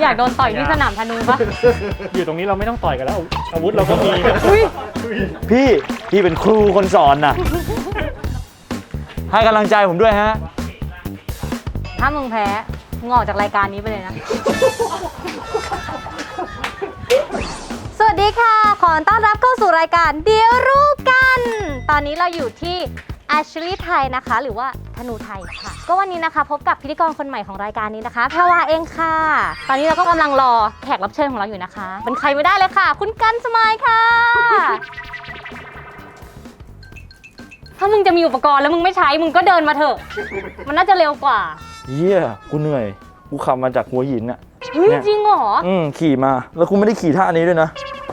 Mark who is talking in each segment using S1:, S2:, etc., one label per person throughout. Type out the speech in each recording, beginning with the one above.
S1: อยากโดนต่อยที่สนามธนูปะ
S2: อยู่ตรงนี้เราไม่ต้องต่อยกันแล้วอาวุธเราก็มีนะ
S3: พี่เป็นครูคนสอนน่ะ ให้กำลังใจผมด้วยฮะ
S1: ถ้ามึงแพ้มึงออกจากรายการนี้ไปเลยนะ สวัสดีค่ะ ขอต้อนรับเข้าสู่รายการเดี๋ยวรู้กัน ตอนนี้เราอยู่ที่ Ashley ไทยนะคะ หรือว่าธนูไทยค่ะ ก็วันนี้นะคะพบกับพิธีกรคนใหม่ของรายการนี้นะคะแพรวาเองค่ะ ตอนนี้เราก็กำลังรอแขกรับเชิญของเราอยู่นะคะ เป็นใครไม่ได้เลยค่ะ คุณกันสมายค่ะ ถ้ามึงจะมีอุปกรณ์แล้วมึงไม่ใช้มึงก็เดินมาเถอะ มันน่าจะเร็วกว่า
S3: เยี่ยกูเหนื่อย กูขับมาจากหัวหินน่ะ
S1: เฮ้ย
S3: เนี่ย
S1: จริงเหรอ
S3: ขี่มา แล้วกูไม่ได้ขี่ท่านี้ด้วยนะ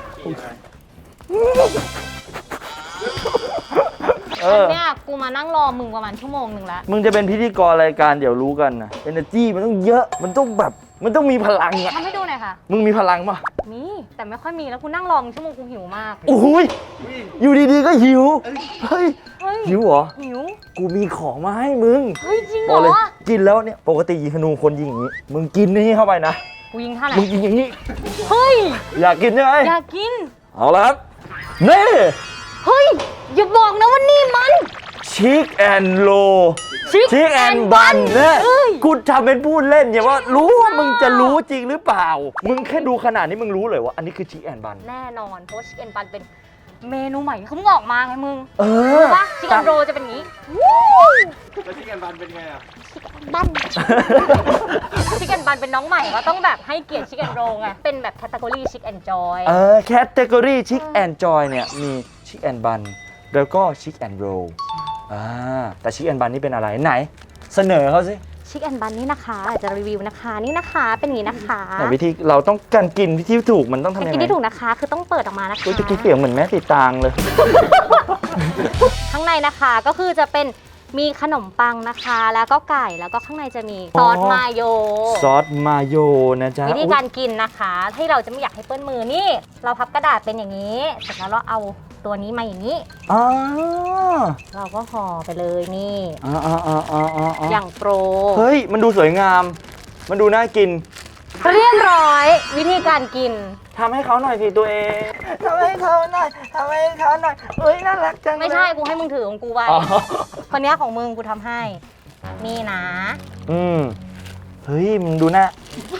S1: เนี่ยกูมานั่งรอมึงประมาณชั่วโมงหนึ่งแล้ว
S3: มึงจะเป็นพิธีกรรายการเดี๋ยวรู้กันนะ energy มันต้องเยอะ มันต้องแบบ มันต้องมีพลังอะ
S1: ทำให้ดูหน่อยค่ะ
S3: มึงมีพลังปะ
S1: มีแต่ไม่ค่อยมีแล้วกูนั่งรอมึงชั่วโมงกูหิวมาก
S3: โอ้โหยอยู่ดีๆก็หิว เฮ้ย
S1: เฮ้ย
S3: หิวเหรอ
S1: หิว
S3: กูมีของมาให้มึง
S1: เฮ้ยจริงเห
S3: บ
S1: ร
S3: อกเลย
S1: อ
S3: กินแล้วเนี่ย ปกติยิงธนูคนยิงอย่างนี้ มึงกินนี่เข้าไปนะ
S1: กูยิงท่าไหน
S3: มึงกินอย่างนี้
S1: เฮ้ย
S3: อยากกินใช่ไหม
S1: อยากกิน
S3: เอาละครับ นี่
S1: เฮ้ยอย่าบอกนะว่านี่มัน
S3: ชิคแอนโล
S1: Chick
S3: ชิคแอน
S1: and
S3: บัน
S1: Bun
S3: เนี่ย
S1: เอ้ย
S3: กูทำเป็นพูดเล่นอย่าว่ารู้ว่ามึงจะรู้จริงหรือเปล่า มึงแค่ดูขนาดนี้มึงรู้เลยว่าอันนี้คือชิคแอนบัน
S1: แน่นอนเพราะชิคเก้นบันเป็นเมนูใหม่ที่เขาเพิ่งออกมาไงมึง
S3: เออ
S1: รู้ปะชิคเก้นโรจะเป็นอย่างนี้
S2: แล้วชิคแอนบันเป็นไงอ่ะ
S1: บัน ชิคเก้นบันเป็นน้องใหม่ก็ต้องแบบให้เกียรติชิคเก้นโรไงเป็นแบบแคตตา o r y ชิคแอนจอย
S3: แคตตากรีชิคแอนจอยเนี่ยมีชิคแอนบันแล้วก็ชิคแอนโรแต่ชิคแอนบันนี่เป็นอะไรไหน เสนอเขาสิ
S1: ชิคแอนบันนี่นะคะจะรีวิวนะคะนี่นะคะเป็นอย่างนี้นะคะ
S3: ไหนวิธีเราต้องการกินที่ถูกมันต้องทำ
S1: เป็น
S3: ยัง
S1: กิน
S3: ไง
S1: ที่ถูกนะคะ คือต้องเปิดออกมานะคะ
S3: กูจะกินเสียงเหมือนแม่สีตางเลย
S1: ข้างในนะคะก็คือจะเป็นมีขนมปังนะคะ แล้วก็ไก่แล้วก็ข้างในจะมีซอสมาโย
S3: ซอสมาโยนะจ๊ะ
S1: วิธีการกินนะคะที่เราจะไม่อยากให้เปื้อนมือนี่ เราพับกระดาษเป็นอย่างนี้เสร็จแล้วเราเอาตัวนี้มาอย่างนี้
S3: อ๋อ
S1: เราก็ห่อไปเลยนี่
S3: อย่าง
S1: โปร
S3: เฮ้ย มันดูสวยงาม มันดูน่ากิน
S1: เรียบร้อยวิธีการกิน
S3: ทำให้เขาหน่อยสิตัวเองทำให้เขาหน่อยทำให้เขาหน่อยเฮ้ยน่ารักจังเลย
S1: ไม่ใช่กูให้มึงถือของกูไว้
S3: อ๋อ
S1: คนเนี้ยของมึงกูทำให้ นี่นะ
S3: เฮ้ยมึงดูหน้า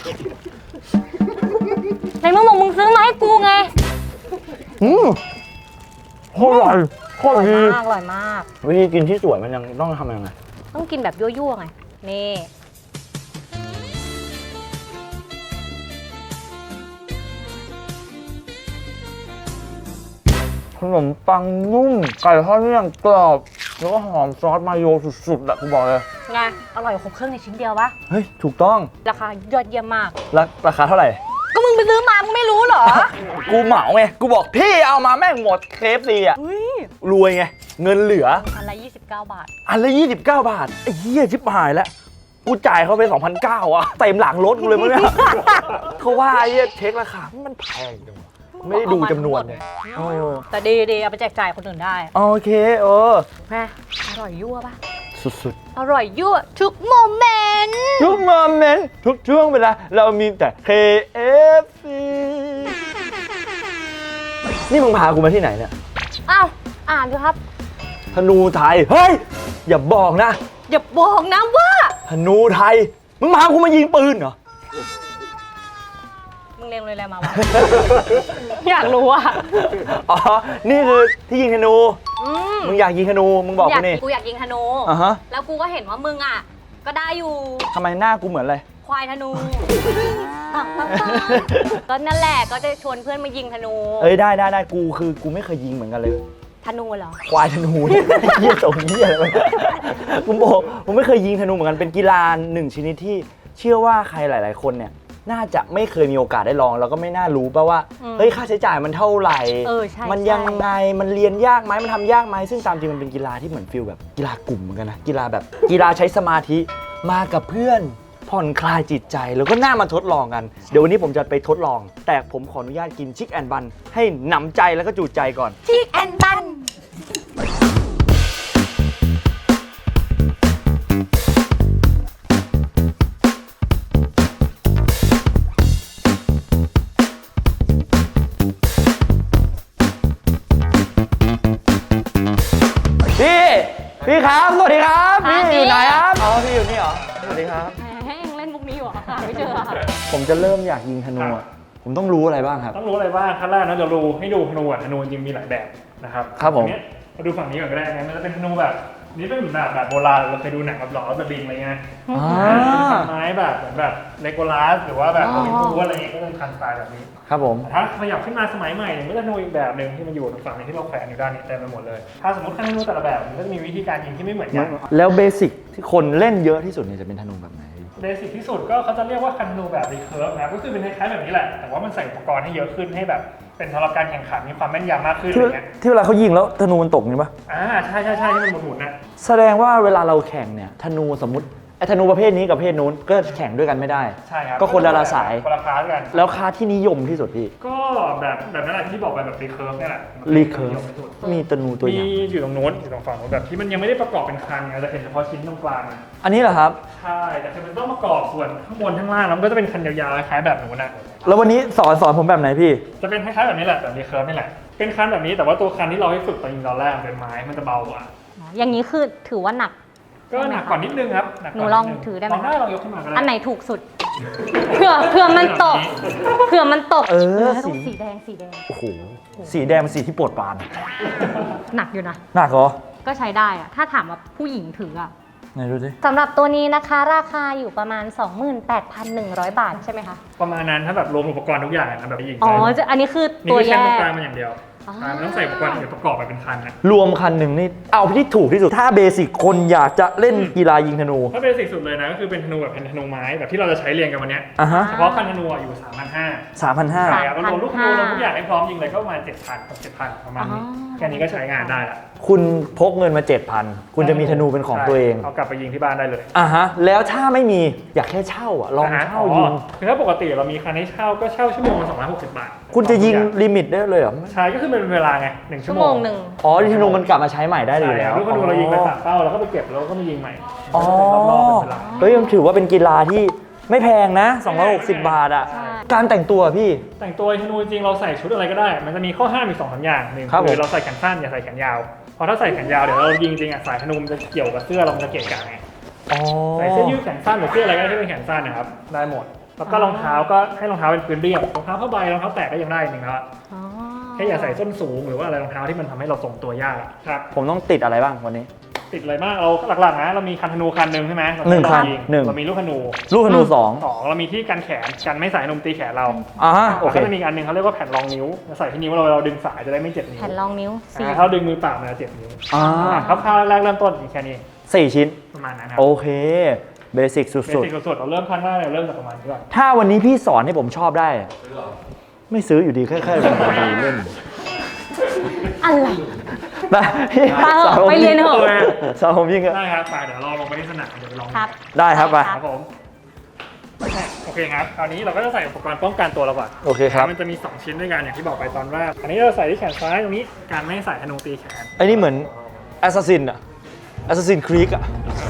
S1: ในเมื่อมึงซื้อมาให้กูไง
S3: โคตรอร่อยโคตรดี
S1: อร่อยมาก
S3: วิธีกินที่สวยมันยังต้องทำยังไง
S1: ต้องกินแบบยั่วๆไงนี่
S3: ขนมปังนุ่ม ไก่ทอดนี่ยังกรอบ แล้วก็หอมซอสมาโยสุดๆอะกูบอกเลย
S1: ไงอร่อยครบเครื่องในชิ้นเดียวปะ
S3: เฮ้ย ถูกต้อง
S1: ราคายอดเยี่ยมมาก
S3: ราคาเท่าไหร่
S1: ก็มึงไปซื้อมา มึงไม่รู้เหรอ
S3: กูเหมาไง กูบอกพี่เอามาแม่งหมดเคฟซีอะ
S1: อุ้ย
S3: รวยไง เงินเหลือ
S1: อันละ29 บาท
S3: อันละ29 บาท ไอ้เหี้ยชิบหายแล้ว กูจ่ายเขาไป 2,900อ่ะเต็มหลังรถกูเลยมั้งเนี่ย เขาว่าไอ้เหี้ยเช็คราคา มันแพงจังวะไม่ได้ดูจำนวนเลยโอ้
S1: แต่ดีๆเอาไปแจกจ่ายคนอื่นได้
S3: โอเค
S1: แม่อร่อยยั่วปะ
S3: สุด
S1: อร่อยยั่วทุกโมเมนต์
S3: ๆ ทุกโมเมนต์ทุกช่วงเวลา เรามีแต่ KFC นี่มึงพากูมาที่ไหนเนี่ย
S1: อ้าว อ่านดูครับ
S3: ธนูไทย เฮ้ย อย่าบอกนะ
S1: อย่าบอกนะว่า
S3: ธนูไทย มึงพากูมายิงปืนเหรอ
S1: มึงเรียนเลยอะไรมาวะ อยากรู้อ่ะ
S3: อ๋อ นี่คือที่ยิงธนู
S1: อืม
S3: มึงอยากยิงธนู มึงบอกกูนี่
S1: กูอยากยิงธนู
S3: อ่ะฮะ
S1: แล้วกูก็เห็นว่ามึงอ่ะ ก็ได้อยู่
S3: ทำไมหน้ากูเหมือนอะไร
S1: ควายธนู ก็นั่นแหละก็จะชวนเพื่อนมายิงธนู
S3: เอ้ยได้กูไม่เคยยิงเหมือนกันเลย
S1: ธนูเหรอ
S3: ควายธนูเนี่ยเหี้ยส่งเหี้ยอะไรวะกูบอกผมไม่เคยยิงธนูเหมือนกันเป็นกีฬาหนึ่งชนิดที่เชื่อว่าใครหลาย ๆ คนเนี่ยน่าจะไม่เคยมีโอกาสได้ลองแล้วก็ไม่น่ารู้ป่ะว่าเฮ้ยค่าใช้จ่ายมันเท่าไหร่
S1: ใช่
S3: มันยังไงมันเรียนยากไหมมันทำยากไหมซึ่งตามจริงมันเป็นกีฬาที่เหมือนฟิลแบบกีฬากลุ่มเหมือนกันนะกีฬาแบบกีฬาใช้สมาธิมากับเพื่อนผ่อนคลายจิตใจแล้วก็น่ามาทดลองกันเดี๋ยววันนี้ผมจะไปทดลอง แต่ผมขออนุญาตกินชิคแอนบันให้หนำใจแล้วก็จูใจก่อน
S1: ชิคแอนบัน
S3: ครับ สวัสดีครับ
S1: หา
S3: พี่
S1: ดิ
S3: อยู่ไหนครับอ๋อพี่อยู่นี่เหรอ สวัสดีครับ
S1: แหมยังเล่นมุกนี้อยู่เหรอหาไม่เจอค่ะ
S3: ผมจะเริ่มอยากยิงธนูอะผมต้องรู้อะไรบ้างครับ
S2: ต้องรู้อะไรบ้างขั้นแรกนะเดี๋ยวดูให้ดูธนูอ่ะธนูจริงมีหลายแบบนะครับ
S3: ครับผม
S2: อันเนี้ยมาดูฝั่งนี้ก่อนก็ได้นะมันจะเป็นธนูแบบนี่เป็นแบบโบราณเราเคยดูหนังแบบหลอดแบบบินอะไรเงี้ย
S3: อ่า
S2: ไม้แบบเหมือนแบบเลโกลัสหรือว่าแบบ
S1: อ๋
S2: โอ
S1: อ
S2: ลิมปูอะไรเงี้ยก็เป็นคันสไตล์แบบนี้
S3: ครับผม
S2: ถ้าขยับขึ้นมาสมัยใหม่เนี่ยมันก็จะธนูอีกแบบหนึ่งที่มันอยู่ตรงฝั่งนี้ที่เราแขวนอยู่ด้านนี้เต็มไปหมดเลย ถ้าสมมติขั้นธนูแต่ละแบบมันก็จะมีวิธีการยิงที่ไม่เหมือนกัน
S3: แล้วเบสิกที่คนเล่นเยอะที่สุดเนี่ยจะเป็นธนูแบบไหน
S2: เบสิกที่สุดก็เขาจะเรียกว่าคันธนูแบบรีเคิร์ฟนะก็คือเป็นคล้ายๆแบบนี้แหละแต่ว่ามันใส่อุปกรณ์ให้เยอะขึ้นให้แบบเป็นสำหรับการแข่งขันมีความแม่นยำมากขึ้นอะไรเงี้ย
S3: ที่เวลาเขายิงแล้วธนูมันตกนี่ปะ
S2: ใช่ที่มันหมุนๆนะ
S3: แสดงว่าเวลาเราแข่งเนี่ยธนูสมมติไอ้ธนูประเภทนี้กับประเภทนู้นก็แข่งด้วยกันไม่ได้
S2: ใช่ครับ
S3: ก็คนละสาย
S2: คนละคลาสกัน
S3: แล้วค่าที่นิยมที่สุดพี่
S2: ก็แบบนั้นแหละที่บอกไปแบบรีเคิร์ฟนี่แหละ
S3: รีเคิร์ฟมีธนูตัวอ
S2: มี
S3: ย่าง
S2: อยู่ตรงโน้นอยู่ตรงฝั่งโน้นแบบที่มันยังไม่ได้ประกอบเป็นคันไงจะเห็นเฉพาะชิ้นตรงกลางอะ
S3: อันนี้เหรอครับ
S2: ใช่แต่คือมันต้องประกอบส่วนข้างบนข้างล่างแล้วมันก็จะเป็นคันยาวๆคล้ายๆแบบหนูนะ
S3: แล้ววันนี้สอนผมแบบไหนพี่
S2: จะเป็นคล้ายๆแบบนี้แหละแบบรีเคิร์ฟนี่แหละเป็นคันแบบนี้แต่ว่าตัวคันที่เราให้ฝึกตอนยิงตอนแรกมันเป็นไม้มันจะเบากว่า
S1: อย่างนี้คือถือว่าหนัก
S2: ก็หนักกว่านิดนึงครับหนักกว่า
S1: หนูลอง
S2: ดนึ
S1: ถือได้ไหม
S2: ลองได้ลองยกขึ้นมาก็ได้
S1: อันไหนถูกสุด เผื่อมันตก เผื่อมันตก
S3: เออ
S1: ต้อง
S3: สี
S1: สีแดงสีแดง
S3: โอ้โห สีแดงเป็นสีที่โปรดปราน
S1: หนักอยู่นะ
S3: หนักเหรอ
S1: ก็ใช้ได้อะถ้าถามว่าผู้หญิงถืออะ
S3: ไหนดูสิ
S1: สำหรับตัวนี้นะคะราคาอยู่ประมาณ 28,100 บาทใช่ไหมคะ
S2: ประมาณนั้นถ้าแบบรวมอุปกรณ์ทุกอย่างนะแบบยิง
S1: อ๋อ
S2: ได้
S1: อันนี้คือ
S2: นี่
S1: ตัว
S2: คือ
S1: แย
S2: แค่ตรง
S1: ก
S2: กลางมันอย่างเดียว
S1: อ๋อ
S2: ใช่มันต้องใส่อุปกรณ์เดี๋ยวประกอบไปเป็นคันนะ
S3: รวมคันหนึ่งนี่ เอาที่ถูกที่สุด ถ้าเบสิกคนอยากจะเล่นกีฬายิงธนู
S2: ถ้าเบสิกสุดเลยนะก็คือเป็นธนูแบบเป็นธนูไม้แบบที่เราจะใช้เรียนกันวันเนี้ย
S3: อ่ะฮะ
S2: เฉพาะคันธนูอะอยู่ 3,500
S3: 3,500
S2: ใช่ครับรวมลูกธนูรวมทุกอย่างให้พร้อมยิงเลยก็ประมาณ 7,000 กับ 7,000 ประมาณนี้
S1: อ๋อ
S2: แค่นี้ก็ใช้งานได้ละ
S3: คุณพกเงินมา 7,000 คุณจะมีธนูเป็นของตัวเอง
S2: เอากลับไปยิงที่บ้านได้เลย
S3: อ่ะฮะ แล้วถ้าไม่มีอยากแค่เช่าอ่ะ ลองเช่ายิง
S2: คือถ้าปกติเรามีคันให้เช่าก็เช่าชั่วโมงละ260 บาท
S3: คุณจะยิงลิมิตได้เลยเหรอ
S2: ใช่ก็คือเป็นเวลาไง1 ชั่
S1: ชั่
S2: ว
S1: ว
S2: โม
S1: โม
S2: ง
S1: งหนึ่ง
S3: อ๋อธนูมันกลับมาใช้ใหม่ได้อยู่แล้ว
S2: ลูกธนูเรายิงไป3เป้าแล้วก็ไปเก็บแล้วก็มายิงใหม่
S3: อ๋อ
S2: รอบๆเป็นเวลา
S3: เฮ้ยมันถือว่าเป็นกีฬาที่ไม่แพงนะ 260 บาทอ่ะ
S1: ใช่
S3: การแต่งตัวพี่
S2: แต่งตัวธนูจริงเราใส่ชุดอะไรก็ได้ มันจะมีข้อห้ามอีก2-3อย่างหนึ่ง
S3: ครับผม
S2: คือเราใส่แขนสั้นอย่าใส่แขนยาวเพราะถ้าใส่แขนยาวเดี๋ยวเรายิงจริงอ่ะสายธนูมันจะเกี่ยวกับเสื้อเรามันจะเกะกะไง
S3: อ๋อ
S2: ใส่เสื้อยืดแขนสั้นหรือเสื้ออะไรก็ได้ที่เป็นแขนสั้นนะครับได้หมด แล้วก็รองเท้าก็ให้รองเท้าเป็นพื้นเรียบรองเท้าผ้าใบรองเท้าแตะก็ยังได้อีกหนึ่งแล้ว
S1: อ๋อ
S2: แค่อย่าใส่ส้นสูงหรือว่าอะไรรองเท้าที่มันทำให้เราทรงตัวยากครับ
S3: ผมต้องติดอะไรบ้างวันนี้
S2: ติดอะไรมากเราหลักๆนะเรามีคันธนูคันหนึ่งใช่ไหมเรา
S3: หนึ่งคัน
S2: ยิ
S3: หนึ่ง
S2: เรามีลูกธนู
S3: ลูกธนูสอง
S2: เรามีที่กันแขนกันไม่ใส่นมตีแขนเรา
S3: อ่าฮะโอ
S2: แล้ว
S3: เค
S2: ก็จะมีอีกอันหนึงเขาเรียกว่าแผ่นรองนิ้วใส่ที่นิ้วเราดึงสายจะได้ไม่เจ็บนิ้ว
S1: แผ่นรองนิ้วสี่
S2: ถ้าเราดึงมือเปล่ามันจะเจ็บนิ้ว
S3: อ่า
S2: คร่าวๆแรกเริ่มต้นมีแค่นี้
S3: 4 ชิ้น
S2: ประมาณนั้นครั
S3: โอเค เบสิกสุ
S2: เบ
S3: ด
S2: สิกสุดๆเราเริ่มครั้งแรกเราเริ่มจากประมาณนี้ก่อน
S3: ๆ ถ้าวันนี้พี่สอนให้ผมชอบได้อะไม่ซื้ออยู่ดีแค่เป็นคนเล่น
S1: อะไร
S3: ได้พี่
S1: ไปเถอะ
S3: สอนผม
S1: ไปเรียนเถอะ
S3: สอนผมยิงอะ
S2: ได้ครับไปเดี๋ยวเราลงไปที่สนามเดี๋ยวไปลอง
S1: ครับ
S3: ได้ครับไป
S2: ครับผมโอเคครับคราวนี้เราก็จะใส่อุปกรณ์ป้องกันตัวเราก่อน
S3: โอเคครับ
S2: มันจะมี2ชิ้นด้วยกันอย่างที่บอกไปตอนแรกอันนี้เราใส่ที่แขนซ้ายตรงนี้การไม่ให้ใส่ธนูตีแขน
S3: ไอ้นี่เหมือนแอสซัสซินอะแอสซัสซินครีกอะ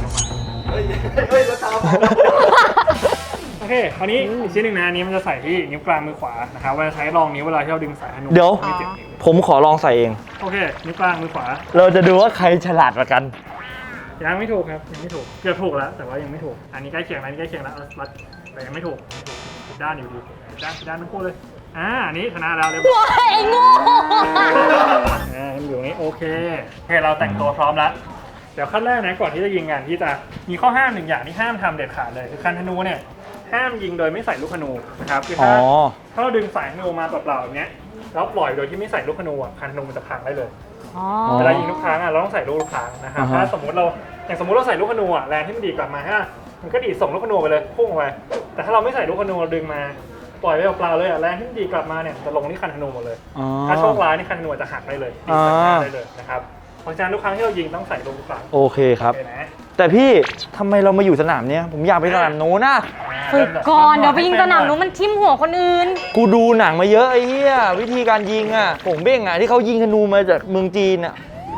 S2: โอเคคราวนี้อีกชิ้นหนึ่งนะอันนี้มันจะใส่ที่นิ้วกลางมือขวานะครับว่าจะใช้รองนิ้วเวลาที่เราดึงสายธนู
S3: เดี๋ยว
S2: ไม่เจ็บนิ้ว
S3: ผมขอลองใส่เอง
S2: โอเคนิ้วกลางมือขวา
S3: เราจะดูว่าใครฉลาดกว่ากัน
S2: ยังไม่ถูกครับยังไม่ถูกเกือบถูกแล้วแต่ว่ายังไม่ถูกอันนี้ใกล้เคียงแล้วอันนี้ใกล้เคียงแล้วเอารัดแต่ยังไม่ถูกผิดด้านอยู่ดีผิดด้านทั้งคู่เลยอันนี้ชนะแล้วเรียบร้อย
S1: ว้ายไอ้โง่
S2: มันอยู่ตรงนี้โอเคเราแต่งตัวพร้อมแล้วเดี๋ยวขั้นแรกนะก่อนที่จะยิงกันที่จะมีข้อห้ามหนึ่งอย่างที่ห้ามทำเด็ดขาดเลยคือคันธนูเนี่ยห้ามยิงโดยไม่ใส่ลูกธนูนะครับคือ
S3: อ๋อ
S2: ถ้าเราดึงสายธนูมาเปล่าๆอย่างเงี้ยแล้วปล่อยโดยที่ไม่ใส่ลูกธนูอ่ะคันธนูมันจะพังได้เลย
S1: อ๋อ
S2: เวลายิงทุกครั้งอ่ะเราต้องใส่ลูกทุกครั้งนะครับ
S3: อ่าฮะ
S2: ถ้าสมมติเราใส่ลูกธนูอ่ะแรงที่มันดีดกลับมาฮะมันก็ดีดส่งลูกธนูไปเลยพุ่งไปแต่ถ้าเราไม่ใส่ลูกธนูเราดึงมาปล่อยไปเปล่าๆเลยอ่ะแรงที่มันดีดกลับมาเนี่ยจะลงที่คันธนูหมดเลย
S3: อ๋อ
S2: ถ้าโชคร้ายนี่คันธนูอาจจะหักได้เลยดีดใส่หน้าได้เลยนะครับเพราะฉะนั้นทุกครั้งที่เรายิงต้องใส่ลูกทุกครั้ง
S3: โอเคครับ
S2: โอเคนะ
S3: แต่พี่ทำไมเรามาอยู่สนามเนี้ยผมอยากไปสนามโน้นนะ
S1: ฝึกก่อน เดี๋ยวไปยิงสนามนู้นมันทิ่มหัวคนอื่น
S3: กูดูหนังมาเยอะไอ้เหี้ยวิธีการยิงอ่ะผงเบ้งอ่ะที่เขายิงธนูมาจากเมืองจีนอ่ะ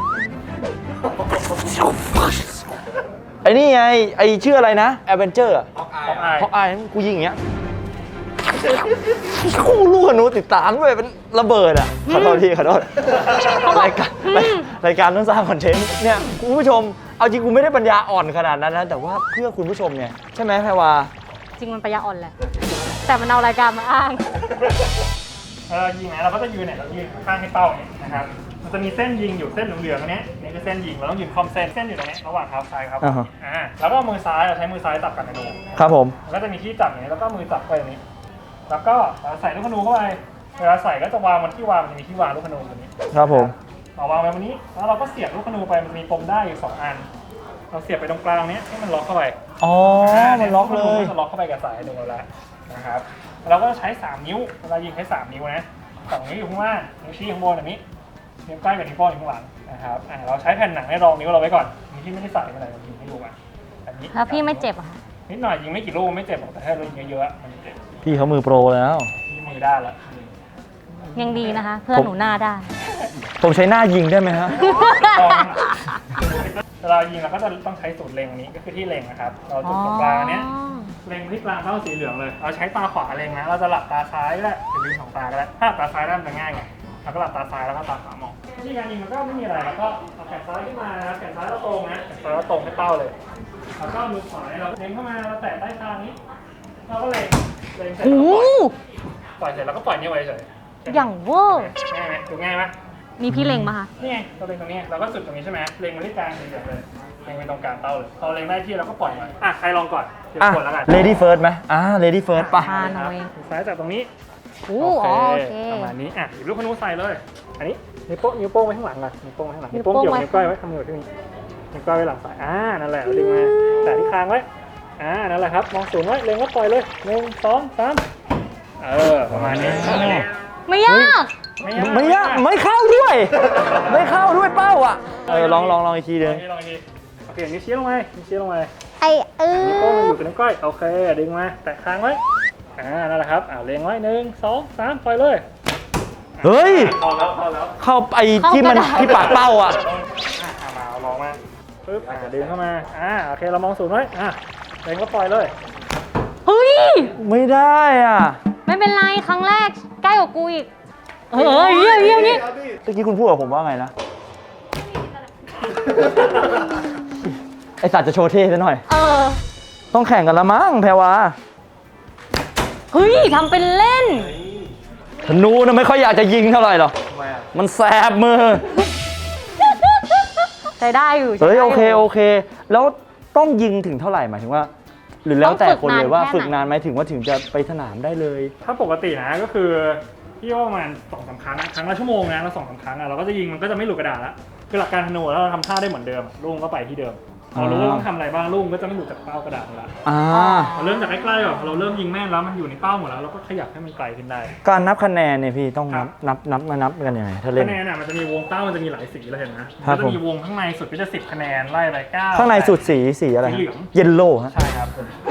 S3: ไอ้นี่ไงไอ้ชื่ออะไรนะแอดเวนเจอร์อ่ะ
S2: อาย
S3: เพราะอายกูยิงอย่างเงี้ยกูลูกธนูติดตามด้วยเป็นระเบิดอ่ะขอโทษทีขอโทษรายการต้องสร้างคอนเทนต์เนี่ยคุณผู้ชมเอาจริงกูไม่ได้ปัญญาอ่อนขนาดนั้นนะแต่ว่าเพื่อคุณผู้ชมเนี่ยใช่ไหมแพรวา
S1: จริงมันปัญญาอ่อนแหละ แต่มันเอารายการมาอ้าง
S2: ยิงนะเราก็จะยืนเนี่ยเรายืนข้างให้เป้าเนี่ยนะครับมันจะมีเส้นยิงอยู่เส้นเหลืองๆตรงนี้นี่คือเส้นยิงเราต้องยืนคอมเส้นอยู่ตรงนี้ระหว่างเท้าซ้ายครับแล้วก็มือซ้ายเราใช้มือซ้ายจับกันธนู
S3: ครับผม
S2: แล้วก็จะมีที่จับอย่างนี้แล้วก็มือจับไปอย่างนี้ แล้วก็ใส่ลูกธนูเข้าไปเวลาใส่ก็จะวางมันที่วางมันจะมีที่วางลูกธนูตรงนี้
S3: ครับผม
S2: เอาวางไว้บนนี้แล้วเราก็เสียบลูกธนูไปมันมีปมได้อยู่2 อันเราเสียบไปตรงกลางนี้ให้มันล็อกเข้าไป
S3: อ๋อมันล็อกเลย
S2: จะล็อกเข้าไปกับสายธนูเราแล้วนะครับเราก็ใช้3 นิ้วเวลายิงใช้3 นิ้วนะ2 นิ้วอยู่ข้างล่างนิ้วชี้ข้างบนแบบนี้นิ้วก้อยกับนิ้วโป้งอยู่ข้างหลังนะครับเราใช้แผ่นหนังให้รองนิ้วเราไว้ก่อนนิ้วที่ไม่ได้ใส่อะไรเรายิงให้ดูมาอันนี้
S1: แล้วพี่ไม่เจ็บเหรอคะ
S2: นิดหน่อยยิงไม่กี่ลูกไม่เจ็บหรอกแต่ถ้าเรายิงเยอะๆมันเจ็บ
S3: พี่เขามือโปรแล้ว
S2: ที่มือด้านละ
S1: ยังดีนะคะ เพื่อนหนูหน้าด้าน
S3: ผมใช้หน้ายิงได้ไหมฮะ
S2: เวลายิงเราก็จะต้องใช้สูตรเล็งนี้ก็คือที่เล็งนะครับเราจุดตรงกลางเนี้ยเล็งที่กลางเป้าสีเหลืองเลยเราใช้ตาขวาเล็งนะเราจะหลับตาซ้ายก็ได้หรือลืม2 ตาก็ได้ถ้าหลับตาซ้ายได้มันจะง่ายไงเราก็หลับตาซ้ายแล้วก็ตาขวามองวิธีการยิงมันก็ไม่มีอะไรแล้วก็เอาแขนซ้ายขึ้นมานะครับแขนซ้ายเราตรงนะแขนซ้ายเราตรงให้เป้าเลยแล้วก็มือขวาเราเล็งเข้ามาเราแตะใต้คางนี้เราก็เล็งเสร็จแล้ว
S1: โอ้
S2: ปล่อยเสร็จแล้วก็ปล่อยนิ้วไว้เฉย
S1: อย่างเวอร์
S2: ง่ายไหมดูง่ายไหม
S1: มีพี่เล็งมาคะ
S2: นี่ไงเราเล็งตรงนี้เราก็จุดตรงนี้ใช่ไหมเล็งมาที่กลางสีเหลืองเลยเล็งไปตรงกลางเป้าเลยพอเล็งได้ที่เราก็ปล่อยมันใครลองก่อนเดี๋ยว
S3: อ่ะ
S2: กดแล้วกัน
S3: lady first ไหมlady first ป่ะ
S1: อ่าหน่อย
S2: ซ้ายจากตรงนี้
S1: โอ้โอเค
S2: ประมาณนี้หยิบลูกธนูใส่เลย อันนี้นิ้วโป้งไว้ข้างหลังก่อนนิ้วโป้งไว้ข้างหลัง
S1: นิ้
S2: นิ้
S1: ว
S2: ว
S1: โป้
S2: โป้
S1: ง
S2: งเกี่ยว
S1: ไว้
S2: นิ้วก้อยไว้ทำมือที่นี่นิ้วก้อยไว้หลังสายนั่นแหละเราดึงมาแต่ที่คางไว้นั่นแหละครับมองสูงไว้เล็งก็ปล่อยเลย1 2 3ประมาณนี้
S1: ไม่ยาก
S3: ไม่ยากไม่เข้าด้วย ไม่เข้าด้วยเป้าอ่ะลองอีกทีนึง
S2: ลองอีกทีโอเคนิ้วชี้ลงไปนิ้วชี้ลงไป
S1: ไอ
S2: นิ้วโป้งมันอยู่กับนิ้วก้อยโอเคดึงมาแตะค้างไว้นั่นแหละครับเล็งไว้1 2 3ปล่อยเลย
S3: เฮ้ย
S2: เข้าแล้ว
S3: เข้าไอ้ที่มันที่ปากเป้าอ่ะ
S2: มาลองมาปึ๊บดึงเข้ามาโอเคเรามองศูนย์ไว้เล็งก็ปล่อยเลย
S1: เฮ้ย
S3: ไม่ได้อ่ะ
S1: ไม่เป็นไรครั้งแรกใกล้กว่ากูอีกเยี่ยม
S3: เมื่อกี้คุณพูดกับผมว่าไงนะ ไอสัตว์จะโชว์เท่ซะหน่อย ต้องแข่งกันละมั้งแพรวา
S1: เฮ้ยทำเป็นเล่น
S3: ธนูนะไม่ค่อยอยากจะยิงเท่าไหร่หรอกมันแสบมือ
S1: ใช้ได้อยู่
S3: เฮ้ย
S1: ใช้
S3: โอ
S1: ได้
S3: เค
S1: ยู่
S3: โอเค แล้วต้องยิงถึงเท่าไหร่หมายถึงว่า หรือแล้วแต่คนเลยว่า
S1: ต้องฝึ
S3: ฝึ
S1: กนาน
S3: กนานไหมถึงว่าถึงจะไปสนามได้เลย
S2: ถ้าปกตินะก็คือพี่ว่าประมาณ2-3 ครั้งครั้งละชั่วโมงนะแล้ว2-3 ครั้งเราก็จะยิงมันก็จะไม่หลุดกระดาษละคือหลักการธนูแล้วเราทำท่าได้เหมือนเดิมลุงก็ไปที่เดิมเรารู้ว่าต้องทำอะไรบ้างลุงก็จะไม่หลุดจากเป้ากระดาษละ เราเริ่มจากใกล้ๆก่อนเราเริ่มยิงแม่นแล้วมันอยู่ในเป้าหมดแล้วเราก็ขยับให้มันไกลขึ้นได้
S3: การนับคะแนนเนี่ยพี่ต้อง
S2: ครับ
S3: นับกันยังไงถ้าเล่น
S2: คะแนนมันจะมีวงเป้ามันจะมีหลายสีเลยเห็นไหม
S3: ครั
S2: มั
S3: บ
S2: นจะมีวงข้างในสุดก็จะ10 คะแนนไล่ไป9
S3: ข้างในสุดสีอะไร
S2: สีเหลือง
S3: เยลโล่ฮะ
S2: ใช่ครับ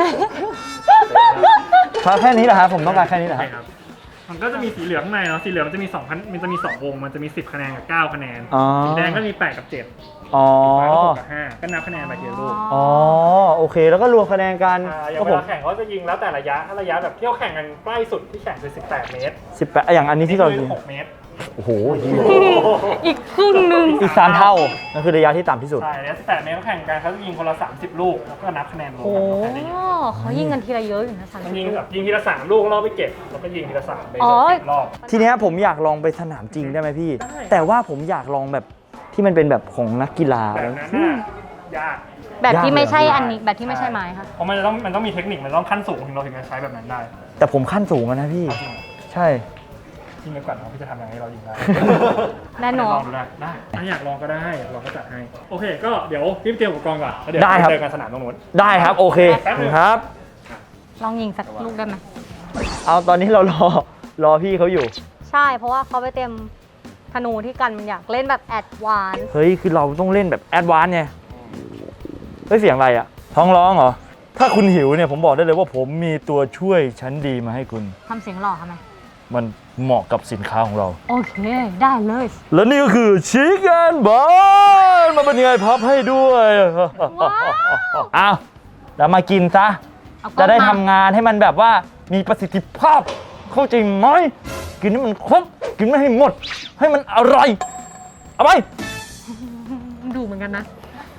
S3: ถ้าแค่นี้แหละครับผมต้องการแค่นี้แหละค
S2: ใช่
S3: รับ
S2: ครับมันก็จะมีสีเหลืองข้างในเนาะสีเหลืองมันจะมี2,000มันจะมี2 วงมันจะมี10 คะแนนกับ9 คะแนน
S3: อ๋อ
S2: สีแดงก็มี8 กับ 7
S3: อ๋อ
S2: ฟ้าก็6 กับ 5ก็นับคะแนนไปทีละลูก
S3: อ๋อโอเคแล้วก็รวมคะแนนกัน
S2: อย่าง
S3: ก็
S2: เว
S3: ผม
S2: ลาแข่งเขาจะยิงแล้วแต่ระยะถ้าระยะแบบเที่ยวแข่งกันใกล้สุดที่แข่งคือ18 เมตร
S3: 18อย่างอันนี้ที่เรา
S2: คือ6 เมตร
S3: โอ้โห
S1: อีกครึ่งหนึ่ง
S3: อีก3เท่านั่นคือระยะที่ต่ำที่สุด
S2: ใช่แล้ว18 เมตรเขาแข่งกันเขาจะยิงคนละ30 ลูกแล้วก็นับคะแนนรวม
S1: โอ้
S2: กันว่าใครได้เยอะ
S1: เขายิงกันทีละเยอะอยู่นะ30
S2: มันยิงแบบยิงทีละ3 ลูกแล้วเราไปเก็บแล้วก็ยิงทีละ3ไป
S1: อ๋อ
S2: 10 รอบ
S3: ทีเนี้ยผมอยากลองไปสนามจริงได้ไหมพี่
S2: ได้
S3: แต่ว่าผมอยากลองแบบที่มันเป็นแบบของนักกีฬา
S2: แบบนั้นน่ะยาก
S1: แบบที่ไม่ใช่
S3: ยากเลย
S1: อันนี้แบบที่ไม่ใช่ไม้ค่ะ
S2: เพราะมันต้องมีเทคนิคมันต้องขั้นสูงถึงเราถึงจะใช้แบบนั้นได้
S3: แต่ผมขั้นสูงอะนะพี่
S2: จริงเหรอ
S3: ใช่
S2: ยิงไปก่อนเนาะพี่จะทำยังไงให้เรายิงได้
S1: แน่นอน
S2: ลองดูได้ถ้าอยากลองก็ได้ลองก็จัดให้โอเคก็เดี๋ยวรีบเตรียมอุปกรณ์ก่อนแล้วเดี๋ยว
S3: ได้ครับ
S2: เจอกันสนามตรงนู้น
S3: ได้ครับโอเค
S2: แป๊บนึง
S3: ครับ
S1: ลองยิงสักลูกได้ไหม
S3: เอาตอนนี้เรารอพี่เขาอยู่
S1: ใช่ เพราะว่าเขาไปเต็มธนูที่กันมันอยากเล่นแบบแอดวานซ์
S3: เฮ้ยคือเราต้องเล่นแบบแอดวานซ์ไงเฮ้ยเสียงอะไรอะท้องร้องเหรอถ้าคุณหิวเนี่ยผมบอกได้เลยว่าผมมีตัวช่วยชั้นดีมาให้คุณ
S1: ทำเสียงหล่อทำไม
S3: มันเหมาะกับสินค้าของเรา
S1: โอเค ได้เลย
S3: และนี่ก็คือชิคเก้นบอลมาเป็นยังไงพับให้ด้วย
S1: ว้าว
S3: เอาแล้วมากินซะ
S1: เอาก้อน
S3: จะได้
S1: มา
S3: ทำงานให้มันแบบว่ามีประสิทธิภาพ เข้าใจไหมกินให้มันครบ กินไม่ให้หมด ให้มันอร่อย เอาไป
S1: ดูเหมือนกันนะ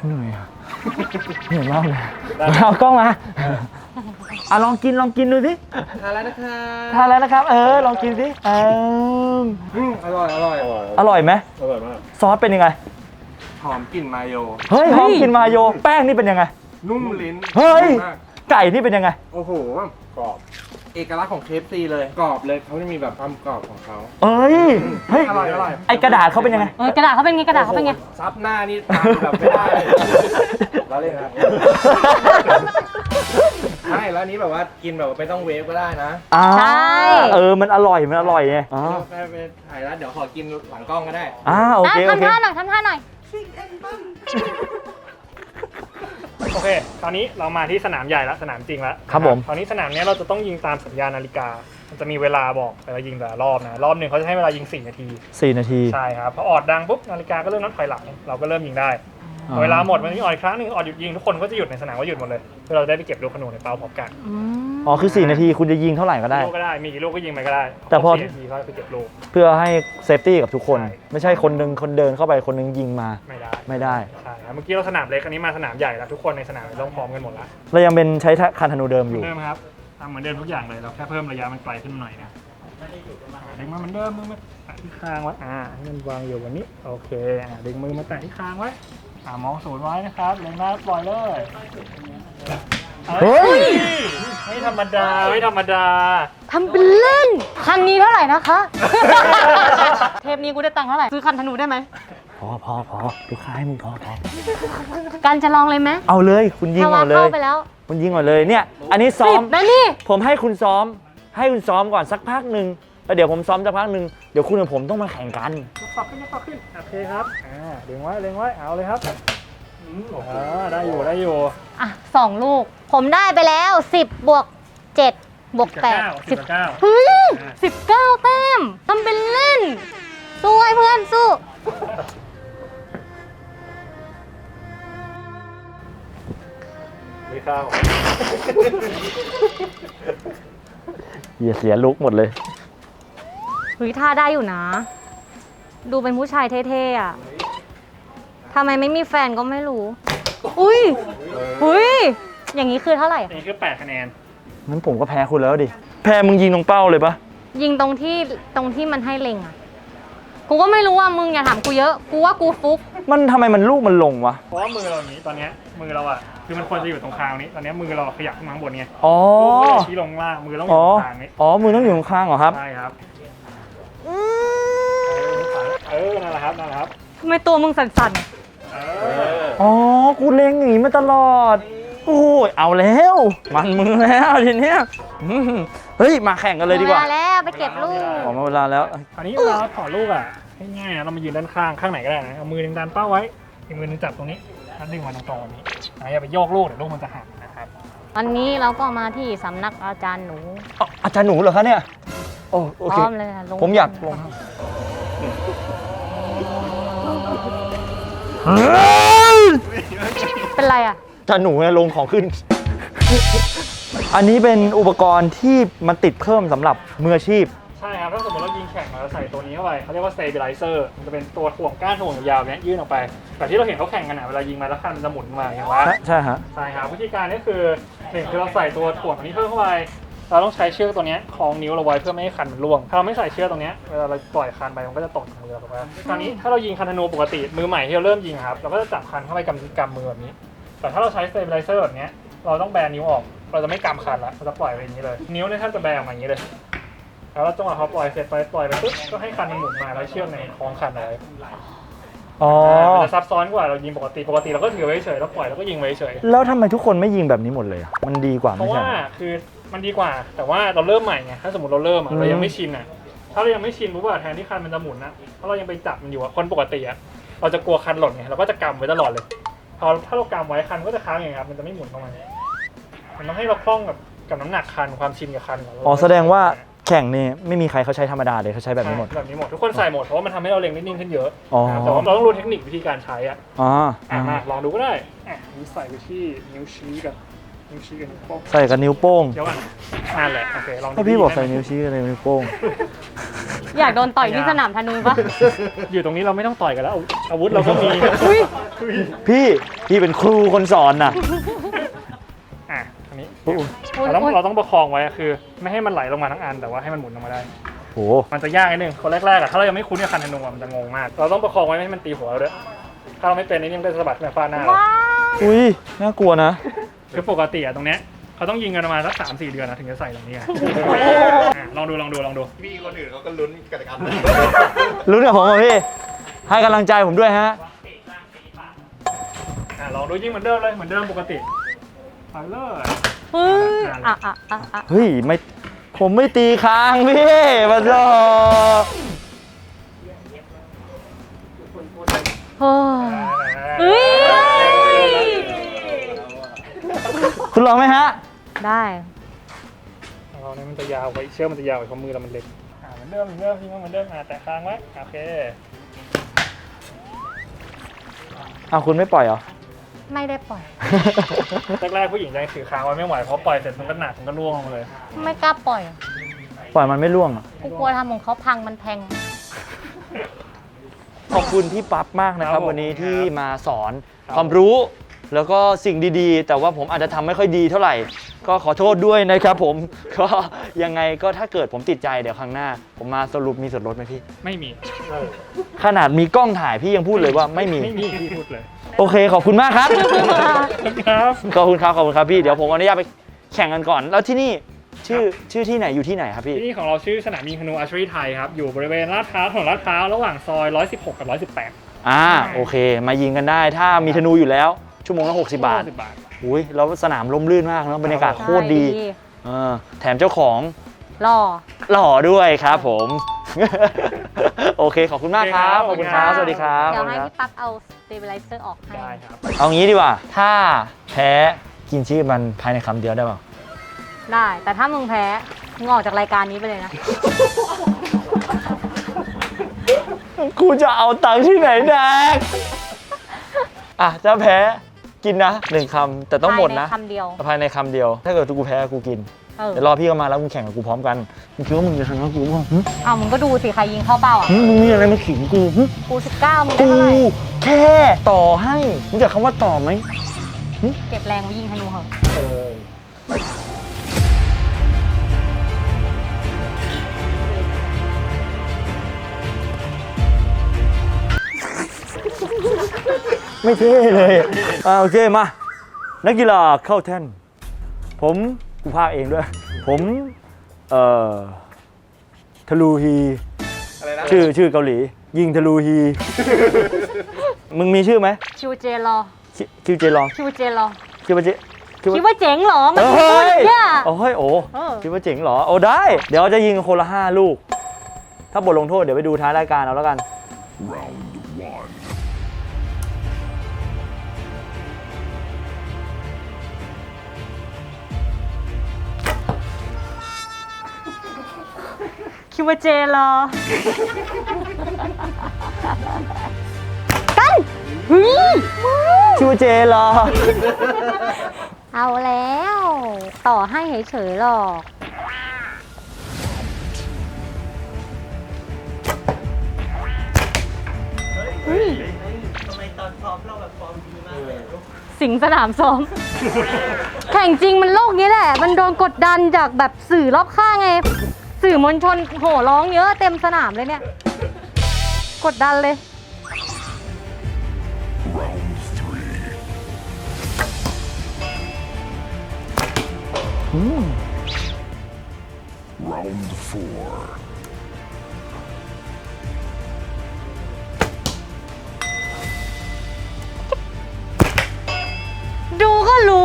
S3: เหนื่อยอะเหนื่อยมากเลยเอากล้องมาลองกินดูสิ
S4: ทานแล้วนะครับ
S3: ทานแล้วนะครับ ลองกินสิ
S4: อร่อย
S3: อร่อยไหม
S2: อร่อยมาก
S3: ซอสเป็นยังไง
S4: หอมกลิ่นมาโย
S3: เฮ้ยหอมกินมาโยแป้งนี่เป็นยังไง
S4: นุ่มลิ้น
S3: เฮ้ย
S4: มาก
S3: ไก่นี่เป็นยังไง
S4: โอ้โห
S2: กรอบ
S4: เอกลักษณ์ของเคฟซีเลยกรอบเลยเขาจะมีแบบความกรอบของเขา
S3: เฮ้ย
S4: อร่อย
S3: ไอกระดาษเขาเป็นยังไง
S1: กระดาษเขาเป็นไงกระดาษเขาเป็นไง
S4: ซับหน้านี่ทานแบบไม่ได้เราเล่นนะใช่แล้วอันนี้แบบว่ากินแบบว่าไม่ต้องเวฟก็ได้นะ
S1: ใช่
S3: มันอร่อยไง
S4: ไปถ่ายแล้วเดี๋ยวขอกินหลังกล้องก็ได้
S3: โอเคโอ
S1: ทำ
S3: เค
S1: ท่าหน่อยทำท่าหน่อย
S2: โอเค ตอนนี้เรามาที่สนามใหญ่แล้วสนามจริงแล้ว
S3: ครับผม
S2: ตอนนี้สนามเนี้ยเราจะต้องยิงตามสัญญาณนาฬิกา มันจะมีเวลาบอกเวลายิงแต่ละรอบนะ รอบหนึ่งเขาจะให้เวลายิง4 นาที
S3: 4 นาที
S2: ใช่ครับ พอออดดังปุ๊บนาฬิกาก็เริ่มนับถอยหลัง เราก็เริ่มยิงได้
S3: อ๋อ
S2: เวลาหมดมันมีออดอีกครั้งหนึงออดหยุดยิงทุกคนก็จะหยุดในสนามก็หยุดหมดเลยเพื่อเราได้ไปเก็บลูกขนุนในเป้าพร้อมกัน
S3: คือ 4 นาทีคุณจะยิงเท่าไหร่ก็ได้
S2: ลูกก็ได้ มีกี่ลูกก็ยิงไปก็ได้
S3: แต่พอ
S2: 4 นาทีก็ไปเก็บลูก
S3: เพื่อให้เซฟตี้กับทุกคน
S2: ใช่
S3: ไม่ใช่คนเดินเข้าไปคนนึงยิงมา
S2: ไม่ได้
S3: ไม่ได้
S2: ใช่ครับเมื่อกี้เราสนามเล็กอันนี้มาสนามใหญ่แล้วทุกคนในสนามต้องพร้อมกันหมดแล้ว
S3: เรายังเป็นใช้คันธนูเดิมอยู่
S2: เหมือนเดิมครับทำเหมือนเดิมทุกอย่างเลยเราแค่เพิ่มระยะมันไกลขึ้นหน่อยนะดึงมาเหมือนเดิมมือมาแตะที่คางไว้ให้มันวางอยู่แบบนี้โอเคดึงมือมาแตะที่คางไว้มองศูนย์ไว้นะครับเล็งหน้าปล่อยเลย
S3: เฮ้ย
S2: ไม่ธรรมดาไม่ธรรมดา
S1: ทำเป็นเล่น คันนี้เท่าไหร่นะคะ เทปนี้กูได้ตังค์เท่าไหร่ ซื้อคันธนูได้ไหม
S3: พอลูกค้าให้มึงพอ
S1: กันจะลองเลยไหม
S3: เอาเลยคุณยิง
S1: ถ้า
S3: ก่
S1: ว่า
S3: อนเล
S1: เข้าย ไปแล้ว
S3: คุณยิงก่อนเลยเนี่ยอันนี้ซ้อม
S1: 10นะนี่
S3: ผมให้คุณซ้อมก่อนสักพักหนึ่งแล้วเดี๋ยวผมซ้อมสักพักหนึ่งเดี๋ยวคุณกับผมต้องมาแข่งกัน
S2: ยกปรับขึ้นโอเคครับดึงไว้เล็งไว้เอาเลยครับได้อยู่
S1: อ่ะ2 ลูก ผมได้ไปแล้ว 10 บวก 7 บวก 8
S2: 10 กับ
S1: เฮ้ย19 แต้มทำเป็นเล่น สู้ไอ้เพื่อนสู้
S2: ไม่เข้า
S3: เสียลุกหมดเลย
S1: เฮ้ยท่าได้อยู่นะ ดูเป็นผู้ชายเท่ๆอ่ะทำไมไม่มีแฟนก็ไม่รู้ อุ้ยอย่างนี้คือเท่าไหร่
S2: อันนี้คือ8 คะแนน
S3: งั้นผมก็แพ้คุณแล้วดิ แพ้มึงยิงตรงเป้าเลยปะ
S1: ยิงตรงที่มันให้เล็งอ่ะ กูก็ไม่รู้ว่ามึงอย่าถามกูเยอะ กูว่ากูฟุก
S3: ทำไมมันลูกมันลงวะ
S2: เพราะว่ามือเราอย่างนี้ตอนเนี้ยมือเราอ่ะคือมันควรจะอยู่ตรงคางนี้ตอนเนี้ยมือเราขยับขึ้นมาข้างบนไง
S3: อ๋อ
S2: มือชี้ลงล่างมือต้องอยู่ตรงคางนี้
S3: มือต้องอยู่ข้างๆเหรอครับ
S2: ใช่ครับนั่นแหละครับ
S1: ทำไมตัวมึงสั่น
S3: กูเล็งอย่างนี้มาตลอด โอ้ยเอาแล้ว มันมือแล้วทีเนี้ยเฮ้ยมาแข่งกันเลยดีกว่า
S1: มาแล้วไปเก็บลูก
S3: ออกมาเวลาแล้ว
S2: อันนี้เราถอดลูกอ่ะง่ายๆนะเรามายืนด้านข้างไหนก็ได้นะเอามือหนึงดันเป้าไว้อีกมือหนึงจับตรงนี้แล้วดึงมาตรงๆแบบนี้อย่าไปโยกลูกเดี๋ยวลูกมันจะหักนะครับ
S1: วันนี้เราก็มาที่สำนักอาจารย์หนู
S3: อาจารย์หนูเหรอคะเนี่ย โอ
S1: พ
S3: เค
S1: ร้อมเลยค่ะลง
S3: ผมอยากลง
S1: เป็นไรอ่ะ
S3: อาจารย์หนูเนี่ยลงของขึ้น อันนี้เป็นอุปกรณ์ที่มันติดเพิ่มสำหรับมืออาชีพ
S2: ใช่ครับถ้าสมมติเรายิงแข่งเราใส่ตัวนี้เข้าไปเขาเรียกว่า stabilizer มันจะเป็นตัวถ่วงก้านถ่วงยาวๆเนี้ยยื่นออกไปแต่ที่เราเห็นเขาแข่งกันเวลายิงมาแล้วคันมันจะหมุนมาอย่างว่า
S3: ใช่ฮะ
S2: ใช่ครับวิธีการนี้คือ1คือเราใส่ตัวถ่วงอันนี้เพิ่มเข้าไปเราต้องใช้เชือกตัวนี้คล้องนิ้วเราไว้เพื่อไม่ให้คันมันร่วงถ้าเราไม่ใส่เชือกตรงนี้เวลาเราปล่อยคันไปมันก็จะตกมือเราไปคราวนี้ถ้าเรายิงคันธนูปกติมือใหม่ที่เราเริ่มยิงครับเราก็จะจับคันเข้าไปกำมือแบบนี้แต่ถ้าเราใช้ stabilizer แบบนี้เราต้องแบนนิ้วออกเราจะไม่กำคันละเราจะปล่อยไปอย่างนี้เลยนิ้วเนี่ยท่านจะแบนออกมาอย่างนี้เลยแล้วจังหวะเขาปล่อยเสร็จไปปล่อยไปปุ๊บก็ให้คันมันหมุนมาแล้วเชือกในคล้องคันเลยมันจะซับซ้อนกว่าเรายิงปกติเราก็ถือไว้เฉยแล้วปล่อยแล้วก็ยิงไว้เฉย
S3: แล้วทำไมทุกคนไม่ยิงแบบนี้หมดเลยอะมันดีกว่า
S2: เพ
S3: ไม่
S2: ราะ
S3: ใช่
S2: ว่า
S3: เหรอ
S2: คือมันดีกว่าแต่ว่าเราเริ่มใหม่ไงถ้าสมมติเราเริ่มเรายังไม่ชินถ้าเรายังไม่ชินปุ๊บแทนที่คันมันจะหมุนนะถ้าเรายังไปจับมันอยู่คนปกติเราจะกลัวคันหล่นไงเราก็จะกำไว้ตลอดเลยพอถ้าเรากำไว้คันก็จะค้างอย่างครับมันจะไม่หมุนเข้ามามันต้องให้เราคล่องกับน้ำหนักคันความชินกับคัน
S3: แสดงว่าแข่งนี่ไม่มีใครเขาใช้ธรรมดาเลยเขาใช้แบบนี้หมด
S2: ทุกคนใส่หมดเพราะว่ามันทำให้เราเล็งได้นิ่งขึ้นเยอะ
S3: อ๋อ
S2: แต่ว่าเราต้องรู้เทคนิควิธีการใช้มาลองดูก็ได้นี่ใส่ไปที่นิ้วชี้กับนิ้วโป้ง
S3: ใส่กับนิ้วโป้ง
S2: เดี๋ยวก่อนนั่นแหละโอเคลองดู
S3: ถ้าพี่บอกใส่นิ้วชี้กับนิ้วโป้ง
S1: อยากโดนต่อยที่สนามธนูปะ
S2: อยู่ตรงนี้เราไม่ต้องต่อยกันแล้วอาวุธเราก็มี
S1: อุ๊ย
S3: พี่เป็นครูคนสอนนะ
S2: อ่ะอันนี้
S3: โอ้โห
S2: เราต้องประคองไว้คือ ไม่ให้มันไหลลงมาทั้งอันแต่ว่าให้มันหมุนลงมาได้
S3: โห
S2: มันจะยากนิดนึงคนแรกๆอะถ้าเรายังไม่คุ้นกับคันธนูอะมันจะงงมาก เราต้องประคองไว้ไม่ให้มันตีหัวเราด้วยถ้าเราไม่เป็นนี่มันก็จะสะบัดขึ้นมาฟาดหน้าเรา
S1: ว้าย
S3: อุ้ยน่ากลัวนะ
S2: คือปกติอะตรงเนี้ยเขาต้องยิงกันประมาณสัก3-4 เดือนนะถึงจะใส่ตรงนี้อะอ่ะลองดู
S4: พี่คนอื่นเขาก็ลุ้นกันกัน
S3: รู้เนี่ยผมอ่ะพี่ ให้กำลังใจผมด้วยฮะ
S2: อ่ะลองดูยิงเหมือนเดิมเลยเหมือนเดิมปกติไปเลย
S1: เฮ้ยอ่ะ
S3: เฮ้ยไม่ผมไม่ตีค้างพี่มาจอ
S1: โอ้เฮ้ย
S3: คุณลองไหมฮะ
S1: ได้
S2: เราเนี่ยมันจะยาวไว้เชือกมันจะยาวไว้เพราะมือเรามันเล็กเหมือนเดิมยิงเหมือนเดิมแตะค้างไว้โอเค
S3: อ้าวคุณไม่ปล่อยเหรอ
S1: ไม่ได้ปล่อย
S2: แรกๆผู้หญิงยังถือค้างไว้ไม่ไหวเพราะปล่อยเสร็จมันก็หนักมันก็ร่วงลงมาเลย
S1: ไม่กล้าปล่อย
S3: ปล่อยมันไม่ร่วงอ่ะ
S1: กูกลัวทำของเขาพังมันแพง
S3: ขอบคุณพี่ปั๊บมากนะครับ
S2: ครับผม
S3: วันนี้ที่มาสอน
S2: ครับ
S3: ความรู้ แล้วก็สิ่งดีๆ แต่ว่าผมอาจจะทำไม่ค่อยดีเท่าไหร่ ก็ขอโทษด้วยนะครับผม ก็ยังไงก็ถ้าเกิดผมติดใจเดี๋ยวครั้งหน้า ผมมาสรุปมีส่วนลดไหมพี่
S2: ไม่มี
S3: ขนาดมีกล้องถ่ายพี่ยังพูดเลยว่าไม่มี
S2: ไม่มีพี่พูดเลย
S3: โอเคขอบคุณมากครับ
S2: ครับ
S3: ขอบคุณครับพี่เดี๋ยวผมอนุญาตไปแข่งกันก่อน แล้วที่นี่ชื่อที่ไหนอยู่ที่ไหนครับพี่
S2: ที่นี่ของเราชื่อสนามยิงธนูอาร์เชอรี่ไทยครับ อยู่บริเวณลาดพร้าวถนนลาดพร้าวระหว่างซอย 116 กับ 118
S3: โอเค มายิงกันได้ถ้ามีธนูอยู่แล้วชั่วโมงละ60 บาท
S2: 60 บาท
S3: อุ้ยแล้วสนามร่มรื่นมากเนอะบรรยากาศโคตรดี
S1: ใช่
S3: แถมเจ้าของ
S1: หล่อ
S3: หล่อด้วยครับผม โอเคขอบคุณมากครับขอบคุณครับสวัสดีครับ
S1: เดี๋ยวให้
S3: ขอบคุณครับ
S1: พี่ปั๊กเอา stabilizer ออกให้
S2: ได้ครับ
S3: เอางี้ดีกว่า ถ้าแพ้กินชื่อมันภายในคำเดียวได้เปล่า
S1: ได้ แต่ถ้ามึงแพ้มึงออกจากรายการนี้ไปเลยนะ
S3: กูจะเอาตังค์ที่ไหนแดกอ่ะถ้าแพ้กินนะ1 คำแต่ต้องหมดนะ
S1: ภายในคำเดียว
S3: ภายในคำเดียว ถ้าเกิดกูแพ้กูกิน เดี๋ยวรอพี่เข้ามาแล้วมึงแข่งกับกูพร้อมกันมึงคิดว่ามึงจะชนะกูป่ะหึ
S1: เอามึงก็ดูสิ ใครยิงเข้าเป้าอ่ะ
S3: หึมึงมีอะไรมาขิงกูหึ
S1: กู19มึงได้
S3: กู
S1: เท่าไหร่
S3: แค่ต่อให้รู้จักคำว่าต่อไหม
S1: เก็บแรงไว้ยิงธนูเหอะ
S3: ไม่เท่เลยโอเคมา นักกีฬาเข้าแท่นผมกูพากย์เองด้วย ผมทะลูฮี
S4: อะไรนะ
S3: ชื่อเกาหลี ยิงทะลูฮี มึงมีชื่อไหม
S1: คิวเจรอ
S3: คิวเจลอง
S1: คิวเจรอ
S3: คิดว่าเจ
S1: คิดว่าเจ๋งเหรอ มัน
S3: เฮ้
S1: พูด
S3: ย
S1: เนี่ย
S3: โอ้ยโอ้
S1: เออ
S3: คิดว่าเจ๋งเหรอโอ้ได้ เดี๋ยวจะยิงคนละ5 ลูก ถ้าบทลงโทษเดี๋ยวไปดูท้ายรายการเอาแล้วกัน
S1: คิดว่าเจรอ กันเฮ้ย
S3: คิดว่าเจเหรอ
S1: เอาแล้ว ต่อให้เฉยๆหรอก สิงสนามซ้อม แข่งจริงมันโลกนี้แหละ มันโดนกดดันจากแบบสื่อรอบข้างไง สื่อมวลชนโห่ร้องเยอะเต็มสนามเลยเนี่ย กดดันเลย ดูก็รู้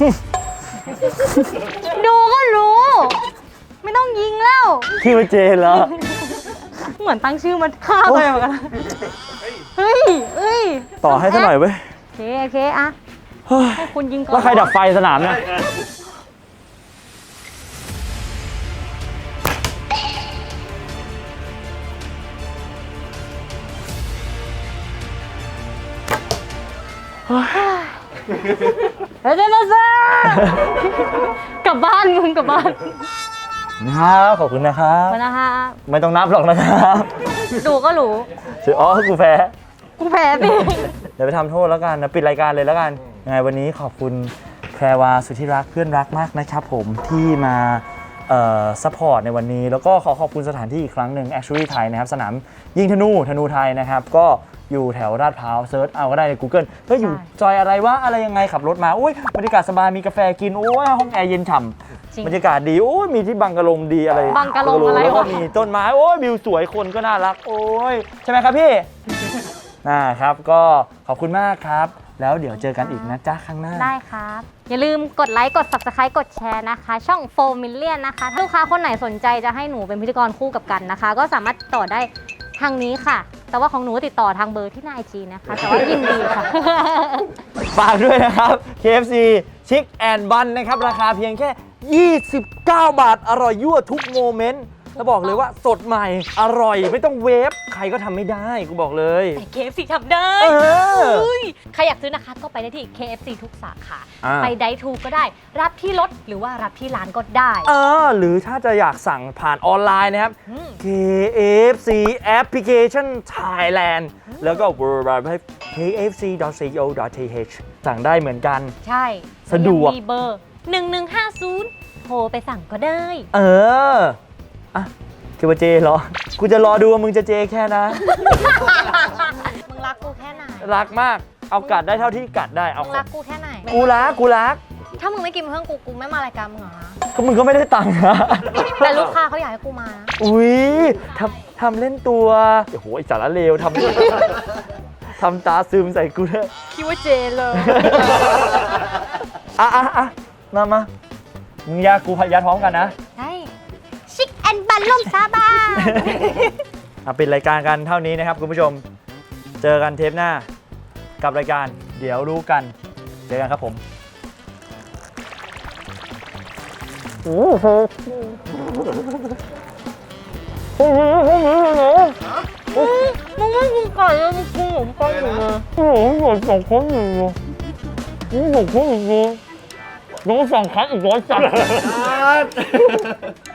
S1: ดูก็รู้ ไม่ต้องยิงแล้ว
S3: คิดว่าเจเหรอ
S1: เหมือนตั้งชื่อมันฆ่าไปเหมือนกัน เฮ้ย
S3: ต่อให้ซะหน่อยเว้ย
S1: โอเคอะ
S3: เฮ้ย
S1: ให้คุณยิงก่อน
S3: แล้วใครดับไฟสนามเนี่ย
S1: เฮ้ยเจ้าซ่ากลับบ้านมึงกลับบ้าน
S3: นะครับขอบคุณนะครับ
S1: ขอบคุณนะคะ
S3: ไม่ต้องนับหรอกนะครับ
S1: ดูก็รู้
S3: อ๋อกูแพ้
S1: กูแพ้สิ
S3: เดี๋ยวไปทำโทษแล้วกันนะปิดรายการเลยแล้วกันยังไงวันนี้ขอบคุณแพรวาสุดที่รักเพื่อนรักมากนะครับผมที่มาซัพพอร์ตในวันนี้แล้วก็ขอขอบคุณสถานที่อีกครั้งหนึ่ง Actually ไทยนะครับสนามยิงธนูไทยนะครับก็อยู่แถวลาดพร้าวเซิร์ชเอาก็ได้ใน Google เฮ้ยอยู่ซอยอะไรวะอะไรยังไงขับรถมาอุ้ยบรรยากาศสบายมีกาแฟกินโอ้ยห้องแอร์เย็นฉ่
S1: จริง
S3: ำบรรยากาศดีโอ้ยมีที่บังกะโลงดีอะไร
S1: บังกะโลงอะไรวะ
S3: แล้วก็มีต้นไม้โอ้ยวิวสวยคนก็น่ารักโอ้ยใช่ไหมครับพี่ ครับก็ขอบคุณมากครับ แล้วเดี๋ยวเจอกันอีกนะจ๊ะข้างหน้า
S1: ได้ครับ อย่าลืมกดไลค์ กด Subscribe กดแชร์นะคะ ช่อง4 Million นะคะถ้าลูกค้าคนไหนสนใจจะให้หนูเป็นพิธีกรคู่กับกันนะคะ ก็สามารถติดต่อได้ทางนี้ค่ะ แต่ว่าของหนูติดต่อทางเบอร์ที่หน้า IG นะคะ แต่ว่ายินดีค่ะ
S3: ฝากด้วยนะครับ KFC Chick and Bun นะครับ ราคาเพียงแค่ 29 บาท อร่อยยั่วทุกโมเมนต์แล้วบอกเลยว่าสดใหม่ อร่อยไม่ต้องเวฟใครก็ทำไม่ได้กูบอกเลย
S1: แต่ KFC ทำได้
S3: เออ
S1: อุ้ยใครอยากซื้อนะคะ ก็ไปได้ที่ KFC ทุกสาขา
S3: อ่า
S1: ไปไดทูก็ได้ รับที่รถหรือว่ารับที่ร้านก็ได้
S3: หรือถ้าจะอยากสั่งผ่านออนไลน์นะครับ
S1: อืม
S3: KFC Application Thailand แล้วก็ www.kfc.co.th สั่งได้เหมือนกัน
S1: ใช่
S3: สะดวก
S1: ยังมีเบอร์ 1150 โทรไปสั่งก็ได้
S3: อ่ะคิดว่าเจเหรอ กูจะรอดูว่ามึงจะเจแค่นะ
S1: มึงรักกูแค่ไหน
S3: รักมาก เอากัดได้เท่าที่กัดได้เอา
S1: มึงรักกูแค่ไหน
S3: กูรัก
S1: ถ้ามึงไม่กินเพื่อนกูไม่มารายการมึงหรอนะ
S3: ก็มึงก็ไม่ได้ตังค์นะ
S1: แต่ลูกค้าเขาอยากให้กูมานะ
S3: อุ๊ยทำเล่นตัวโอ้โหไอ้สารเลวทำตาซึมใส่กูด้วย
S1: คิดว่าเจเลย
S3: อ่ะมามึงยากูพยาท้องกันนะ
S1: ใช่ชิคแอนบันล่มซาบา
S3: ปิดรายการกันเท่านี้นะครับคุณผู้ชม เจอกันเทปหน้ากับรายการเดี๋ยวรู้กัน เจอกันครับผมโอ้โห
S1: มึงไม่กินไก่เลยมึงกินหมูไก่อยู่เลย
S3: โอ้โหสองคนอยู่น้องสั่งคัดอีก100 จัด